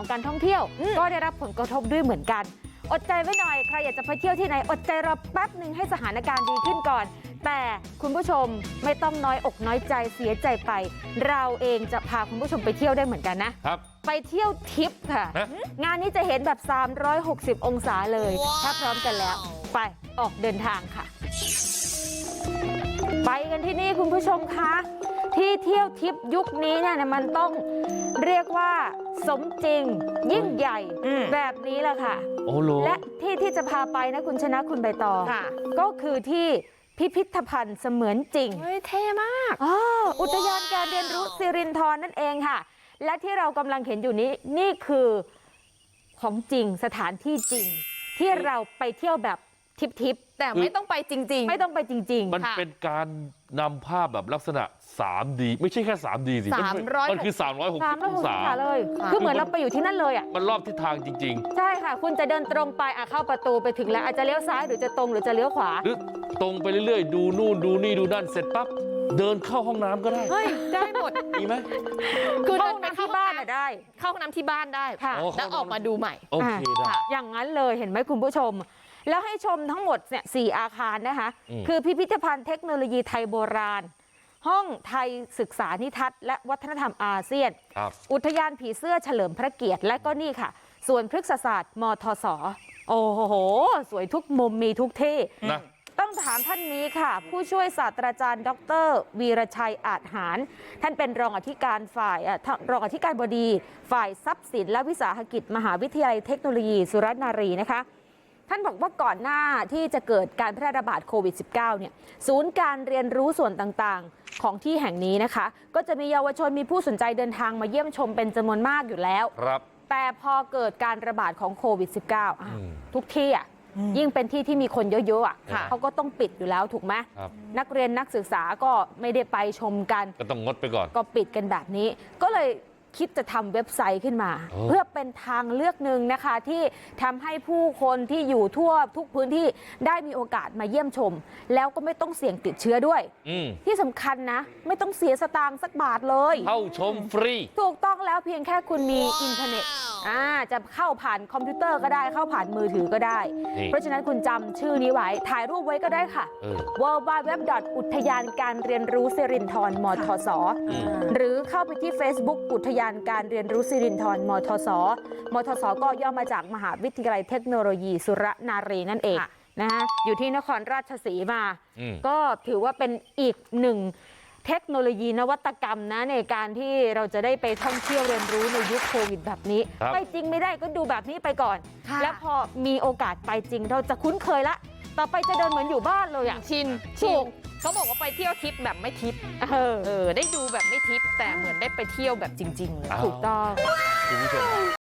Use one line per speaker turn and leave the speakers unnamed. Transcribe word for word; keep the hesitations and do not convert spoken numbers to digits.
ของการท่องเที่ยวก็ได้รับผลกระทบด้วยเหมือนกันอดใจไว้หน่อยใครอยากจะไปเที่ยวที่ไหนอดใจรอแป๊บหนึ่งให้สถานการณ์ดีขึ้นก่อนแต่คุณผู้ชมไม่ต้องน้อยอกน้อยใจเสียใจไปเราเองจะพาคุณผู้ชมไปเที่ยวได้เหมือนกันนะครับไปเที่ยวทิปค่ะงานนี้จะเห็นแบบสามร้อยหกสิบองศาเลยถ้าพร้อมกันแล้วไปออกเดินทางค่ะไปกันที่นี่คุณผู้ชมคะที่เที่ยวทิปยุคนี้เนี่ยมันต้องเรียกว่าสมจริงยิ่งใหญ่แบบนี้แหละค่ะและที่ที่จะพาไปนะคุณชนะคุณใบตองก็คือที่พิพิธภัณฑ์เสมือนจริงเฮ้ยเท่มากอ๋ออุทยานการเรียนรู้สิรินธรนั่นเองค่ะและที่เรากำลังเห็นอยู่นี้นี่คือของจริงสถานที่จริงที่เราไปเที่ยวแบบทิปๆแต่ไม่ต้องไปจริงๆไม่ต้องไปจริงๆ
มันเป็นการนำภาพแบบลักษณะ สามดี ไม่ใช่แค่ สามดี สิมันคือสามร้อยหกสิบองศา
เลยคือเหมือนเราไปอยู่ที่นั่นเลยอ่ะ
มันรอบทิศทางจริง
ๆใช่ค่ะคุณจะเดินตรงไปอ่ะเข้าประตูไปถึงแล้วอาจจะเลี้ยวซ้ายหรือจะตรงหรือจะเลี้ยวขวา
หรือตรงไปเรื่อยๆดูนู่นดูนี่ดูนั่นเสร็จปั๊บเดินเข้าห้องน้ำก็ได้
เฮ้ยได้หมด
ดีไหม
คือเดินไปที่บ้านได้
เข้าห้องน้ำที่บ้านได้แล้วออกมาดูใหม่
โอเคได้
อย่างนั้นเลยเห็นไหมคุณผู้ชมแล้วให้ชมทั้งหมดเนี่ยสี่อาคารนะคะคือพิพิธภัณฑ์เทคโนโลยีไทยโบราณห้องไทยศึกษานิทัศน์และวัฒนธรรมอาเซียนอุทยานผีเสื้อเฉลิมพระเกียรติและก็นี่ค่ะส่วนพฤกษศาสตร์มทศโอ้โหสวยทุกมุมมีทุกที่นะต้องถามท่านนี้ค่ะผู้ช่วยศาสตราจารย์ดรวีรชัยอาจหารท่านเป็นรองอธิการฝ่ายรองอธิการบดีฝ่ายทรัพย์สินและวิสาหกิจมหาวิทยาลัยเทคโนโลยีสุรนารีนะคะท่านบอกว่าก่อนหน้าที่จะเกิดการแพร่ระบาดโควิด สิบเก้า เนี่ยศูนย์การเรียนรู้ส่วนต่างๆของที่แห่งนี้นะคะก็จะมีเยาวชนมีผู้สนใจเดินทางมาเยี่ยมชมเป็นจำนวนมากอยู่แล้ว
ครับ
แต่พอเกิดการระบาดของโควิด สิบเก้า ทุกที่อ่ะยิ่งเป็นที่ที่มีคนเยอะๆอ่ะเขาก็ต้องปิดอยู่แล้วถูกไหมนักเรียนนักศึกษาก็ไม่ได้ไปชมกัน
ก็ต้องงดไปก่อน
ก็ปิดกันแบบนี้ก็เลยคิดจะทำเว็บไซต์ขึ้นมาเพื่อเป็นทางเลือกหนึ่งนะคะที่ทำให้ผู้คนที่อยู่ทั่วทุกพื้นที่ได้มีโอกาสมาเยี่ยมชมแล้วก็ไม่ต้องเสี่ยงติดเชื้อด้วยที่สำคัญนะไม่ต้องเสียสตางค์สักบาทเลย
เข้าชมฟรี
ถูกต้องแล้วเพียงแค่คุณมีอินเทอร์เน็ตอ่าจะเข้าผ่านคอมพิวเตอร์ก็ได้เข้าผ่านมือถือก็ได้เพราะฉะนั้นคุณจำชื่อนี้ไว้ถ่ายรูปไว้ก็ได้ค่ะ ดับเบิลยู ดับเบิลยู ดับเบิลยู ดอท อุทยานการเรียนรู้สิรินธรมทสหรือเข้าไปที่ Facebook อุทยานการเรียนรู้สิรินธรมทสมทสก็ย่อมาจากมหาวิทยาลัยเทคโนโลยีสุรนารีนั่นเองนะคะอยู่ที่นครราชสีมาก็ถือว่าเป็นอีกหนึ่งเทคโนโลยีนวัตกรรมนะในการที่เราจะได้ไปท่องเที่ยวเรียนรู้ในยุคโควิดแบบนี้ไปจริงไม่ได้ก็ดูแบบนี้ไปก่อนแล้วพอมีโอกาสไปจริงเราจะคุ้นเคยละต่อไปจะเดินเหมือนอยู่บ้านเลยอ่ะ
ชินชินเขาบอกว่าไปเที่ยวทิปแบบไม่ทิปเออเออได้ดูแบบไม่ทิปแต่เหมือนได้ไปเที่ยวแบบจริงๆเลย
ถูกต้อง